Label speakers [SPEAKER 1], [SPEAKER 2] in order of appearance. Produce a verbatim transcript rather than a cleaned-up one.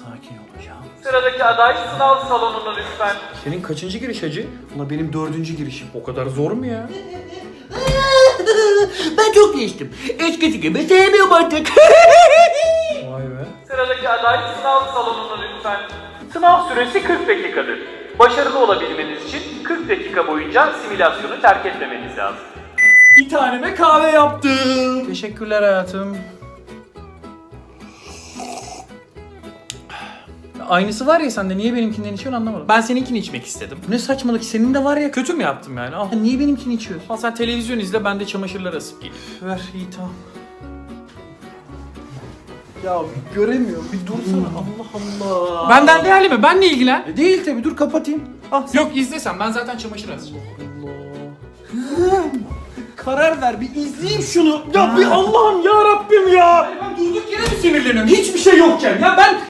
[SPEAKER 1] Sakin olacağım.
[SPEAKER 2] Sıradaki aday sınav salonuna lütfen.
[SPEAKER 1] Senin kaçıncı giriş hacı? Ulan benim dördüncü girişim. O kadar zor mu ya?
[SPEAKER 3] Ben çok değiştim. Eskisi gibi sevmiyorum artık.
[SPEAKER 1] Vay be.
[SPEAKER 2] Sıradaki aday sınav salonuna lütfen. Sınav süresi kırk dakikadır. Başarılı olabilmeniz için kırk dakika boyunca simülasyonu terk etmemeniz lazım.
[SPEAKER 1] Bir taneme kahve yaptım. Teşekkürler hayatım. Aynısı var ya sende, niye benimkinden içiyorsun anlamadım. Ben seninkini içmek istedim. Ne saçmalık, senin de var ya. Kötü mü yaptım yani? Al. Niye benimkini içiyorsun? Al sen televizyon izle, ben de çamaşırları asıp geleyim. Ver, iyi tamam. Ya bir göremiyorum, bir dursana. Allah Allah. Benden değerli mi? Benle ilgilen. E değil tabi, dur kapatayım. Ah, sen... Yok izlesen, ben zaten çamaşır asacağım. Allah. Karar ver, bir izleyeyim şunu. Ya bir Allah'ım ya Rabbim ya. Ben durduk yere mi sinirleniyorum? Hiçbir şey yokken. Ya ben